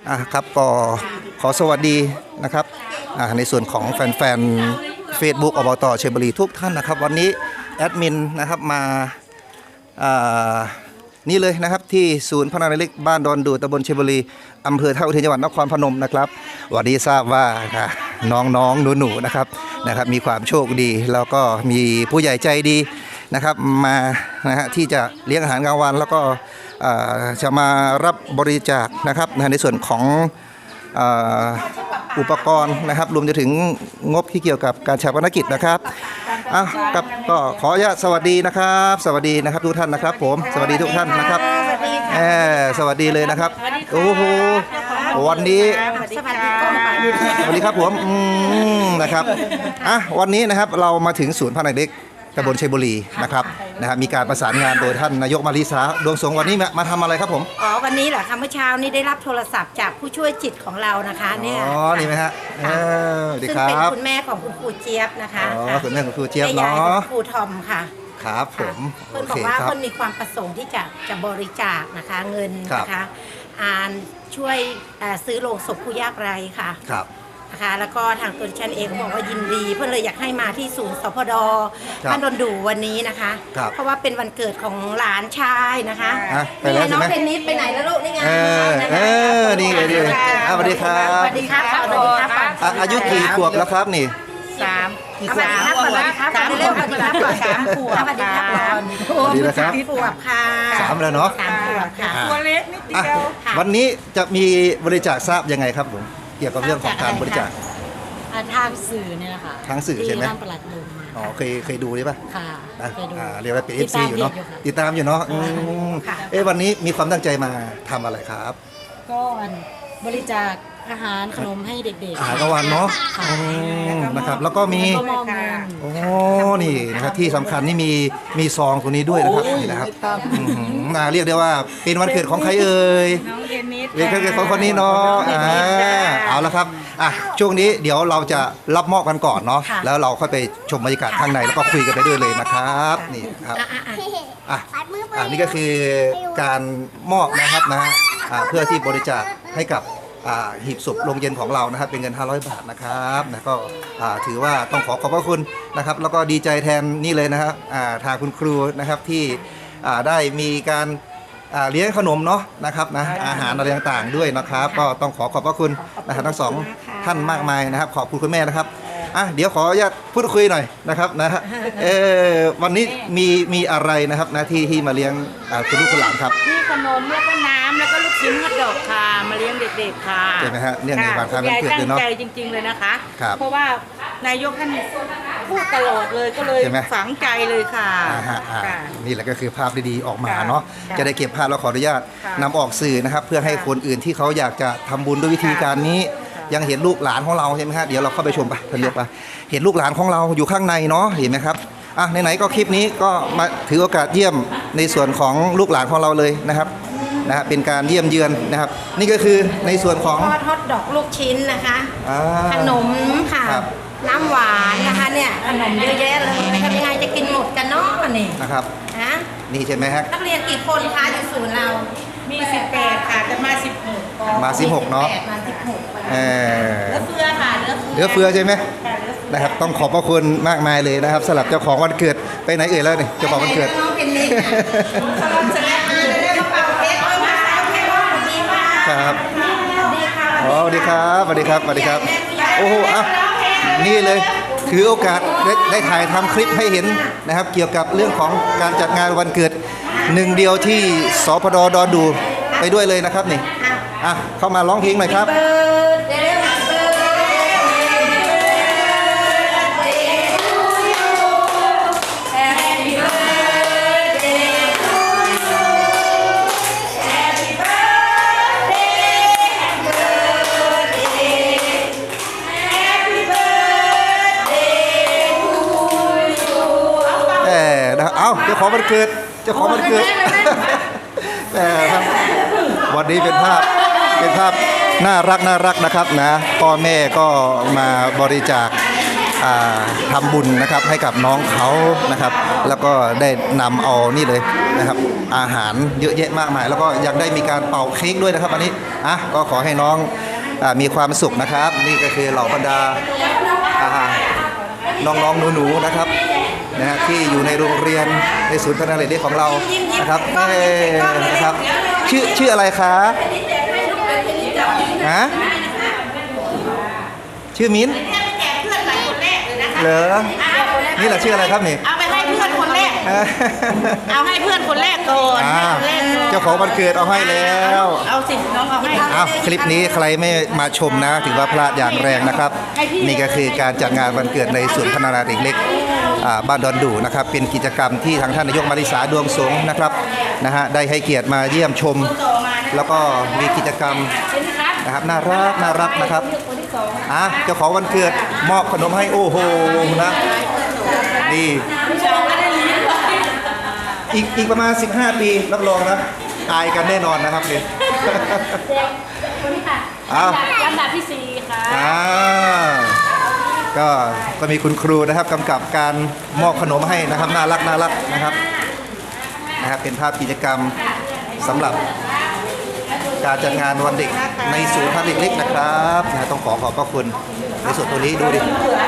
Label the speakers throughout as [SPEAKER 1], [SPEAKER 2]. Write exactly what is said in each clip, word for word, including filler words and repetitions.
[SPEAKER 1] อ่ะครับก็ขอสวัสดีนะครับอ่าในส่วนของแฟนๆ Facebook อบต.ชัยบุรีทุกท่านนะครับวันนี้แอดมินนะครับมาอ่านี่เลยนะครับที่ศูนย์พัฒนาเล็กบ้านดอนดูตำบลชัยบุรีอำเภอท่าอุเทนจังหวัดนครพนมนะครับวันนี้ทราบว่าน้องๆหนูๆนะครับนะครับมีความโชคดีแล้วก็มีผู้ใหญ่ใจดีนะครับมานะฮะที่จะเลี้ยงอาหารกลางวันแล้วก็จะมารับบริจาคนะครับในส่วนของอุปกรณ์นะครับรวมจะถึงงบที่เกี่ยวกับการชาปนกิจนะครับอ่ะกับก็ขออนุญาตสวัสดีนะครับสวัสดีนะครับทุกท่านนะครับผมสวัสดีทุกท่านนะครับแหมสวัสดีเลยนะครับโอ้โหวันนี้สวัสดีครับผมนะครับอ่ะวันนี้นะครับเรามาถึงศูนย์พัฒนาเด็กตำบลชัยบุรีนะครับนะครับมีการประสานงานโดยท่านนายกมาริสาดวงสงวันนี้มาทำอะไรครับผม
[SPEAKER 2] อ๋อวันนี้เหรอคะเมื่อเช้านี้ได้รับโทรศัพท์จากผู้ช่วยจิตของเรานะคะเนี่ย
[SPEAKER 1] อ๋อนี่ไหมฮะ
[SPEAKER 2] ซึ่งเป็นคุณแม่ของคุณครูเจี๊ยบนะคะ
[SPEAKER 1] อ๋อคุณแม่ของครูเจี๊ยบเนาะ
[SPEAKER 2] ครูทอมค่ะ
[SPEAKER 1] ครับผม
[SPEAKER 2] เพื่อนบอกว่าเพื่อนมีความประสงค์ที่จะจะบริจาคนะคะเงินนะคะอ่านช่วยซื้อโลงศพผู้ยากไร้ค่ะ
[SPEAKER 1] ครับ
[SPEAKER 2] นะคะแล้วก็ทางตัวฉันเองก็บอกว่ายินดีเพื่อนเลยอยากให้มาที่ศูนย์สพดบ้านดอนดูวันนี้นะคะเพราะว่าเป็นวันเกิดของหลานชายนะคะนี่น้องเทนนิสไปไหนแล้วลูกนี่ไง
[SPEAKER 1] เออเออนี่ไงดีสวัสดีครับ
[SPEAKER 2] สวัสดีครับสวัสดีครับ
[SPEAKER 1] อายุกี่ขวบแล้วครับนี่
[SPEAKER 2] สามสามสวัสดีครับสวัสดีครับสามขวบสวัสดีครับ
[SPEAKER 1] สวัสดีนะครับ
[SPEAKER 2] ขวบค่ะ
[SPEAKER 1] สามแล้วเนาะ
[SPEAKER 2] สามขวบค่ะ
[SPEAKER 3] ตัวเล็กนิดเดียว
[SPEAKER 1] วันนี้จะมีบริจาคทราบยังไงครับผมเกี่ยวกับเรื่องของการบริจาค
[SPEAKER 4] ทางสื่อเนี่ยแหละค่ะ
[SPEAKER 1] ทางสื่อใช่ไหม
[SPEAKER 4] ทางประหลัดลง
[SPEAKER 1] อ๋อเคยเคยดูใช่ป่ะ
[SPEAKER 4] ค่ะ
[SPEAKER 1] เคยดูเรียกว่าเป็นเอฟซีอยู่เนาะติดตามอยู่เนาะเอ๊ะวันนี้มีความตั้งใจมาทำอะไรครับ
[SPEAKER 4] ก็บริจาคอาหารขนมให้เด็กๆ
[SPEAKER 1] อาหารกลางวันเนาะนะครับแล้วก็มีโอ้นี่นะครับที่สำคัญนี่มีมีซองตัวนี้ด้วยนะครับนี่นะครับน่าเรียกได้ว่าเป็นวันเกิดของใครเอ่ย
[SPEAKER 3] น้องเทนนิส
[SPEAKER 1] เป็นวันเกิดของคนนี้เนาะอ่าเอาละครับอ่ะช่วงนี้เดี๋ยวเราจะรับมอบกันก่อนเนาะแล้วเราค่อยไปชมบรรยากาศข้างในแล้วก็คุยกันไปด้วยเลยนะครับนี่ครับอ่ะอ่ะนี่ก็คือการมอบนะครับนะเพื่อที่บริจาคให้กับหีบศพโรงเย็นของเรานะครับเป็นเงินห้าร้อยบาทนะครับนะก็ถือว่าต้องขอขอบพระคุณนะครับแล้วก็ดีใจแทนนี่เลยนะครับทางคุณครูนะครับที่ได้มีการเลี้ยงขนมเนาะนะครับนะอาหารอะไรต่างๆด้วยนะครับก็ต้องขอขอบพระคุณนะครับทั้งสองท่านมากมายนะครับขอบคุณคุณแม่นะครับอ่ะเดี๋ยวขออนุญาตพูดคุยหน่อยนะครับนะฮะเออวันนี้มีมีอะไรนะครับนะที่ที่มาเลี้ยงคุณลูกคุณหลานครับ
[SPEAKER 3] มีขนมแล้วก็น้ำแล้วก็ลูกชิ้นกระดกค่ะมาเลี้ยงเด็กๆค่ะ
[SPEAKER 1] ใช่ไหมฮะเนื่องในวันคล้ายวันเกิดเลยเนาะ
[SPEAKER 3] ตั้งใจจริงๆเลยนะคะเพราะว่านายกท่านพูดตลอดเลยก็เลยฝังใจเลยค่ะ
[SPEAKER 1] นี่แหละก็คือภาพดีๆออกมาเนาะจะได้เก็บภาพแล้วขออนุญาตนำออกสื่อนะครับเพื่อให้คนอื่นที่เขาอยากจะทำบุญด้วยวิธีการนี้ยังเห็นลูกหลานของเราใช่ไหมฮะเดี๋ยวเราเข้าไปชมไปท่านเรียกไปเห็นลูกหลานของเราอยู่ข้างในเนาะเห็นไหมครับอ่ะไหนๆก็คลิปนี้ก็มาถือโอกาสเยี่ยมในส่วนของลูกหลานของเราเลยนะครับนะฮะเป็นการเยี่ยมเยือนนะครับนี่ก็คือในส่วนของ
[SPEAKER 2] ทอดฮอทดอกลูกชิ้นนะคะขนมค่ะน้ำหวานนะคะเนี่ยขนมเยอะแยะเลยทำยังไงจะกินหมดกันเนาะนี่
[SPEAKER 1] นะครับ
[SPEAKER 2] นะ
[SPEAKER 1] นี่ใช่ไหมฮะ
[SPEAKER 2] นักเรียนกี่คนคะอยู่ศูนย์เรา
[SPEAKER 3] มีสิบแปดค่ะจะมาสิบหก
[SPEAKER 1] มาสิบหกเนาะ
[SPEAKER 2] มาสิบหก
[SPEAKER 1] เอ
[SPEAKER 2] อเหลือเฟือค่ะ
[SPEAKER 1] เหลือเฟือใช่ไหมนะครับต้องขอบพระคุณมากมายเลยนะครับสำหรับเจ้าของวันเกิดไปไหนเอ่ยแล้วนี่เจ้าของวันเกิด
[SPEAKER 2] น้องเป็นนี่สลับเสร็จแล้วเดี๋ยวมาเป่าเค้กเอามาเอาเค้กว่าสวัสดีค่ะ
[SPEAKER 1] ครับสวัสดีครับสวัสดีครับสวัสดีครับโอ้โหอ่ะนี่เลยถือโอกาสได้ได้ถ่ายทำคลิปให้เห็นนะครับเกี่ยวกับเรื่องของการจัดงานวันเกิดหนึ่งเดียวที่สพดดอนดูไปด้วยเลยนะครับนี่อ่ะเข้ามาร้องเพลงหน่อยครับเอ้าเจ้าของวันเกิดเจ้าของวันเกิดแต่ครับวันนี้เป็นภาพเป็นภาพน่ารักน่ารักนะครับนะพ่อแม่ก็มาบริจาคทำบุญนะครับให้กับน้องเขานะครับแล้วก็ได้นำเอานี่เลยนะครับอาหารเยอะแยะมากมายแล้วก็ยังได้มีการเป่าเค้กด้วยนะครับอันนี้อ่ะก็ขอให้น้องอ่ามีความสุขนะครับ นี่ก็คือเหล่าบรรดาอ่าน้องๆหนูๆนะครับนะฮะที่อยู่ในโรงเรียนในศูนย์พัฒนาเด็กของเรานะครับเอ้นะครับชื่อชื่ออะไรคะฮะชื่อมิ้นเหรอนี่แหละชื่ออะไรครับนี่
[SPEAKER 3] เอาไปให้เพื่อนคนแรก เอาให้เพื่อนคนแรกก่อน
[SPEAKER 1] อ่า
[SPEAKER 3] ให้คนแรกก่อน
[SPEAKER 1] เจ้าของวันเกิดเอาให้แล้ว
[SPEAKER 3] เอาสิน้องเอาให้
[SPEAKER 1] อ้าวคลิปนี้ใครไม่มาชมนะถือว่าพลาดอย่างแรงนะครับ นี่ก็คือการจัดงานวันเกิดในศูนย์พัฒนาเด็กเล็กอ่าบ้านดอนดูนะครับเป็นกิจกรรมที่ทางท่านนายกมาริสาดวงสงฆ์นะครับนะฮะได้ให้เกียรติมาเยี่ยมชม แล้วก็มีกิจกรรมนะครับน่ารักน่ารักนะครับอ่ะเจ้าของวันเกิดมอบขนมให้โอ้โหนะนี่อีกอีกประมาณสิบห้าปีรับรองนะตายกันแน่นอนนะครับเนี่ย
[SPEAKER 4] คนนี้ค่ะ
[SPEAKER 1] อ้าว
[SPEAKER 4] ลำดับที่สี่ค่ะ
[SPEAKER 1] อ่าก็ก็มีคุณครูนะครับกำกับการมอบขนมให้นะครับน่ารักน่ารักนะครับนะครับเป็นภาพกิจกรรมสำหรับการจัดงานวันเด็กในศูนย์พัฒนาเด็กเล็กนะครับนะต้องขอขอบพระคุณในส่วนตัวนี้ดูดิ
[SPEAKER 3] ห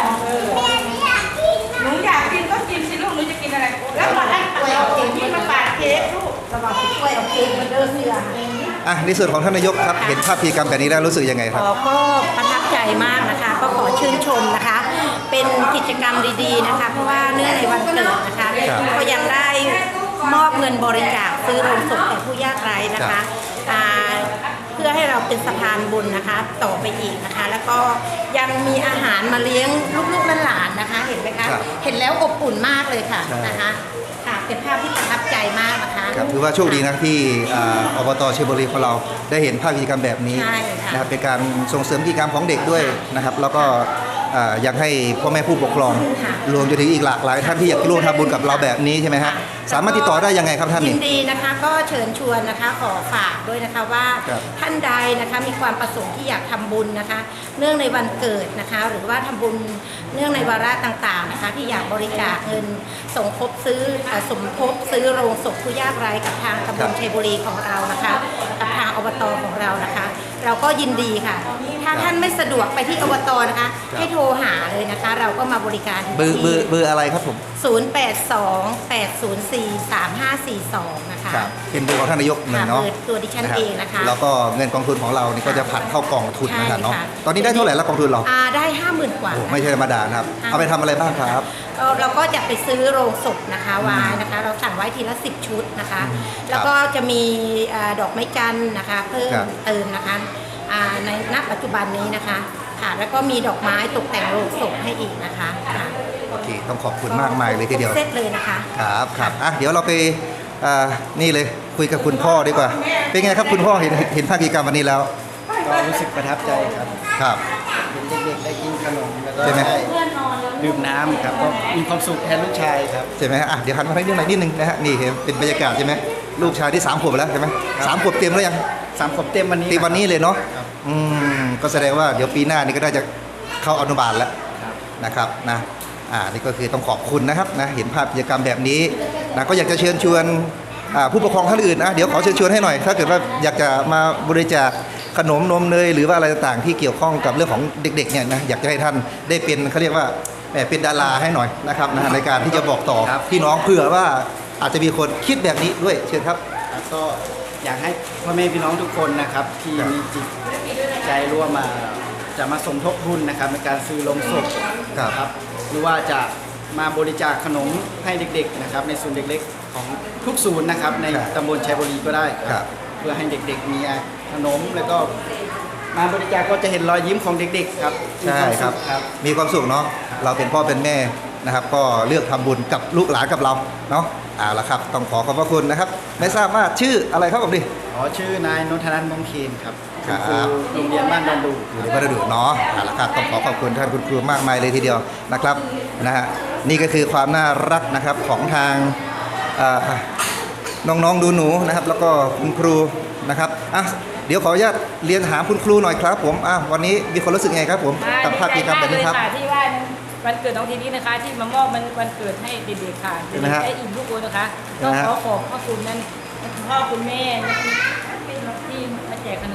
[SPEAKER 3] นูอยากกินก็กินสิลูกหนูจะกินอะไรแล้วมาให้กล้วยเอาเค้กที่มาปาดเค้กลูก
[SPEAKER 2] สวัสดีกล้วยเอาเค้กมาเดินเสือ
[SPEAKER 1] อ่ะในส่วนของท่านนายกครับเห็นภาพกิจกรรมแบบนี้แล้วรู้สึกยังไงครับ
[SPEAKER 2] อ๋อก็ประทับใจมากนะคะ ก็ขอชื่นชมนะคะ เป็นกิจกรรมดีๆนะคะ เพราะว่าเนื่องในวันเกิดนะคะ
[SPEAKER 1] ครับ
[SPEAKER 2] ก็ยังได้มอบเงินบริจาคซื้อโรงศพแก่ผู้ยากไร้นะ
[SPEAKER 1] ครั
[SPEAKER 2] คะ
[SPEAKER 1] บ
[SPEAKER 2] อ่าเพื่อให้เราเป็นสะพานบุญนะคะ ต่อไปอีกนะคะ แล้วก็ยังมีอาหารมาเลี้ยงลูกๆหลานๆนะคะ เห็นไหมคะ
[SPEAKER 1] ครับ
[SPEAKER 2] เห็นแล้วอบอุ่นมากเลยค่ะ
[SPEAKER 1] ใช่
[SPEAKER 2] นะคะค่ะเป็นภาพที่ประทับใจมากนะคะ
[SPEAKER 1] ครับถือว่าโชคดีนะที่อ่าอบตเชียงบุรีของเราได้เห็นภาพกิจกรรมแบบนี้
[SPEAKER 2] ใช่ค่ะ
[SPEAKER 1] นะครับเป็นการส่งเสริมกิจกรรมของเด็กด้วยนะครับ แล้วก็อ่ายังให้พ่อแม่ผู้ปกครอง
[SPEAKER 2] ค่ะ
[SPEAKER 1] รวมจนถึงอีกหลากหลายท่านที่อยากร่วมทำบุญกับเราแบบนี้ใช่ไหมฮะสามารถติดต่อได้ยังไงครับท่าน
[SPEAKER 2] ยิ
[SPEAKER 1] นี่
[SPEAKER 2] นดีนะคะก็เชิญชวนนะคะขอฝากด้วยนะคะว่า
[SPEAKER 1] ครับ
[SPEAKER 2] ท่านใดนะคะมีความประสงค์ที่อยากทำบุญนะคะ เนื่องในวันเกิดนะคะ หรือว่าทำบุญเนื่องในวาระต่างๆนะคะ ที่อยากบริจาคเงินสมทบซื้อเอ่อสมทบซื้อโรงศพผู้ยากไร้กับทางตำบลชัยบุรีของเรานะคะกับทางอบตของเรานะคะ เราก็ยินดีค่ะ ถ้าท่านไม่สะดวกไปที่อบตนะคะ ให้โทรหาเลยนะคะ เราก็มาบริการถึง
[SPEAKER 1] เบอร์เบอ
[SPEAKER 2] ที่
[SPEAKER 1] ร์เบอร์อะไรครับผม
[SPEAKER 2] ศูนย์ แปด สอง แปด ศูนย์ สี่ สาม ห้า สี่ สอง นะคะ
[SPEAKER 1] ครับเป็นเบอร์ของท่านนายกหนึ่งเนาะ
[SPEAKER 2] ค่ะเบอร์ตัวดิฉันเองนะคะ
[SPEAKER 1] แล้วก็เงินกองทุนของเรานี่ก็จะผันเข้ากองทุนนะครับเนาะ
[SPEAKER 2] ใช่ค่ะ
[SPEAKER 1] ตอนนี้ได้เท่าไหร่แล้วกองทุนเรา
[SPEAKER 2] อ่าได้ห้าหมื่นกว่า
[SPEAKER 1] โอ้ไม่ใช่ธรรมดานะครับ
[SPEAKER 2] ค่ะ
[SPEAKER 1] เอาไปทำอะไรบ้างครับ
[SPEAKER 2] เราเราก็จะไปซื้อโรงศพนะคะไว้นะคะ เราสั่งไว้ทีละสิบชุดนะคะ แล้วก็จะมีอ่าดอกไม้จันทร์นะคะเพิ่ม
[SPEAKER 1] ครับ
[SPEAKER 2] เติมนะคะอ่าในณปัจจุบันนี้นะคะค่ะแล้วก็มีดอกไม้ตกแต่งโรงศพให้อีกนะคะค่ะ
[SPEAKER 1] โอเคต้องขอบคุณมากมายเลยทีเดียว
[SPEAKER 2] เซตเลยนะคะ
[SPEAKER 1] ครับครับอ่ะเดี๋ยวเราไปอ่านี่เลยคุยกับคุณพ่อดีกว่า เป็นไงครับคุณพ่อเห็นเห็นภาพกิจกรรมวันนี้แล้ว
[SPEAKER 5] ก็รู้สึกประทับใจครับ
[SPEAKER 1] ครับ
[SPEAKER 5] เห็นเด็กๆได้กินขนมแล้วก็
[SPEAKER 1] ใช่ไหม
[SPEAKER 5] ได้ดื่มน้ำครับก็มีความสุขแทนลูกชายครับ
[SPEAKER 1] ใช่ไหมฮะอ่ะเดี๋ยวหันมาทางนี้หน่อยนิดนึงนะฮะนี่เห็นเป็นบรรยากาศใช่ไหมลูกชายที่สามขวบแล้วใช่ไหมสามขวบเต็มแล้วยัง
[SPEAKER 5] สามขวบเต็มวันนี้
[SPEAKER 1] เต็มวันนี้เลยเนาะ
[SPEAKER 5] ครับ
[SPEAKER 1] อืมก็แสดงว่าเดี๋ยวปีหน้านี่ก็น่าจะเข้าอนุบาลแล้ว
[SPEAKER 5] ครับ
[SPEAKER 1] นะครับนะอ่านี่ก็คือต้องขอบคุณนะครับนะเห็นภาพกิจกรรมแบบนี้นะก็อยากจะเชิญชวนอ่าผู้ปกครองท่านอื่นนะเดี๋ยวขอเชิญชวนให้หน่อย ถ้าเกิดว่าอยากจะมาบริจาคขนมนมเนยหรือว่าอะไรต่างๆที่เกี่ยวข้องกับเรื่องของเด็กๆเนี่ยนะอยากจะให้ท่านได้เป็นเขาเรียกว่าแหมเป็นดาราให้หน่อยนะครับนะในการที่จะบอกต่อพี่น้องเผื่อว่าอาจจะมีคนคิดแบบนี้ด้วยเชิญครับ
[SPEAKER 5] แล้วก็อยากให้พ่อแม่พี่น้องทุกคนนะครับ ที่
[SPEAKER 1] ครับ
[SPEAKER 5] มีจิตใจร่วมมาจะมาสมทบทุนนะครับในการซื้อโลงศพ
[SPEAKER 1] ครับ
[SPEAKER 5] ครับหรือว่าจะมาบริจาคขนมให้เด็กๆนะครับในศูนย์เด็กเล็กของทุกศูนย์นะครับใน
[SPEAKER 1] ครับ
[SPEAKER 5] ตำบลชัยบุรีก็ได้
[SPEAKER 1] ครับ
[SPEAKER 5] เพื่อให้เด็กๆมีขนมแล้วก็มาบริจาคก็จะเห็นรอยยิ้มของเด็กๆครับ
[SPEAKER 1] ใช่ครับ
[SPEAKER 5] มีวามสุขครับ
[SPEAKER 1] มีความสุขเนาะเราเป็นพ่อเป็นแม่นะครับ ก็เลือกทำบุญกับลูกหลานกับเราเนาะเอาละครับต้องขอขอบพระคุณนะครับ ไม่ทราบว่าชื่ออะไรครับผมดิ
[SPEAKER 5] อ๋อชื่อนายนนทนันท์มงเคนครับ
[SPEAKER 1] ครับ
[SPEAKER 5] ณโรงเรียนบ้านดอนดู
[SPEAKER 1] อยู่ในวัดดุเนาะเอาละครับต้องขอขอบคุณท่านคุณครูมากมายเลยทีเดียวนะครับนะฮะนี่ก็คือความน่ารักนะครับของทางเอ่อน้องๆดูหนูๆนะครับ แล้วก็คุณครูนะครับอ่ะเดี๋ยวขออนุญาตเรียนถามคุณครูหน่อยครับผมอ่ะวันนี้มีคนรู้สึกไงครับผมกับภาพกิจกรรมแบบนี้ครับ
[SPEAKER 6] ดีใจมากเลยค่ะที่ว่าวันเกิดน้องทีนี้นะคะ ที่มามอบมันวันเกิดให้เด็กๆค่ะ
[SPEAKER 1] เห็นไหมฮะ
[SPEAKER 6] ได้อิ่มทุกคนนะคะ
[SPEAKER 1] เห็น
[SPEAKER 6] ก็
[SPEAKER 1] ไหมฮะ
[SPEAKER 6] ขอขอบพระคุณนั้นคุณพ่อคุณแม่ที่มาแจกขนมให้กับเด็ก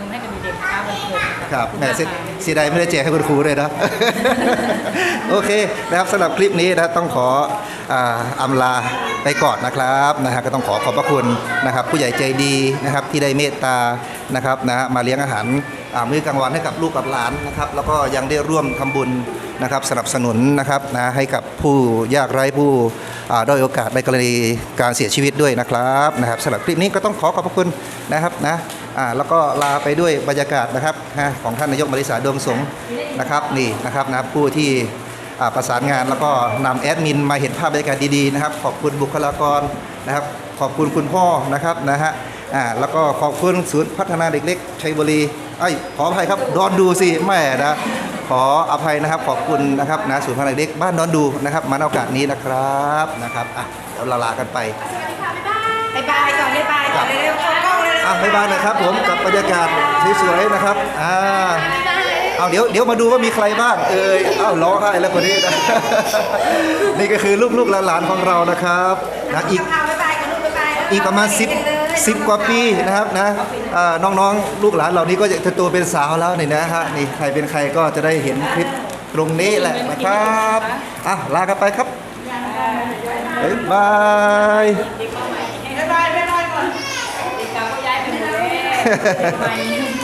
[SPEAKER 6] ด็กๆนะคะวันเกิดนะะ
[SPEAKER 1] ครับ
[SPEAKER 6] ขอ
[SPEAKER 1] แหม่
[SPEAKER 6] ณาก
[SPEAKER 1] เสีย
[SPEAKER 6] ค่ะ
[SPEAKER 1] เสียดายไม่ได้แจกให้คุณครูเลยนะ โอเคนะครับสำหรับคลิปนี้นะต้องขออ่าอำลาไปก่อนนะครับนะฮะก็ต้องขอขอบพระคุณนะครับผู้ใหญ่ใจดีนะครับที่ได้เมตตานะครับนะฮะมาเลี้ยงอาหารอ่ามื้อกลางวันให้กับลูกกับหลานนะครับแล้วก็ยังได้ร่วมทำบุญนะครับสนับสนุนนะครับนะให้กับผู้ยากไร้ผู้อ่าด้อยโอกาสในกรณีการเสียชีวิตด้วยนะครับนะครับสำหรับคลิปนี้ก็ต้องขอขอบพระคุณนะครับนะอ่าแล้วก็ลาไปด้วยบรรยากาศนะครับฮะของท่านนายกมาริสาดวงสงฆ์นะครับนี่นะครับนะผู้ที่อ่าประสานงานแล้วก็นำแอดมินมาเห็นภาพบรรยากาศดีๆนะครับขอบคุณบุคลากรนะครับขอบคุณคุณพ่อนะครับนะฮะอ่าแล้วก็ขอบคุณศูนย์พัฒนาเด็กเล็กชัยบุรีไอ้ยขออภัยครับดอนดูสิแม่นะขออภัยนะครับขอบคุณนะครับนะศูนย์พัฒนาเด็กเล็กบ้านดอนดูนะครับมาในโอกาสนี้นะครับนะครับอ่ะเดี๋ยวเราลากันไป
[SPEAKER 2] บายบายก่อนบายบายก่อนเร็วๆเข้ากล้องเร็วๆ
[SPEAKER 1] อ่ะบ๊ายบายนะครับผมกับบรรยากาศสวยๆนะครับอ่าเอาเดี๋ยวเดี๋ยวมาดูว่ามีใครบ้างเอยอ้าวร้องไห้แล้วคนนี้นะ นี่ก็คือลูกๆหลานๆของเรานะครับนะอีก
[SPEAKER 2] เอาบายบายกันลูกบายบาย
[SPEAKER 1] อีกประมาณสิบ สิบกว่าปีนะครับนะอ่าน้องๆลูกหลานเหล่านี้ก็จะโตเป็นสาวแล้วนี่นะฮะนี่ใครเป็นใครก็จะได้เห็นคลิปตรงนี้แหละนะครับอ่ะลากันไปครับบ๊ายบาย
[SPEAKER 2] บายบายบายบายก่อน
[SPEAKER 6] เด็กเก่าก็ย้ายไปหมดแล้วเด็กใหม่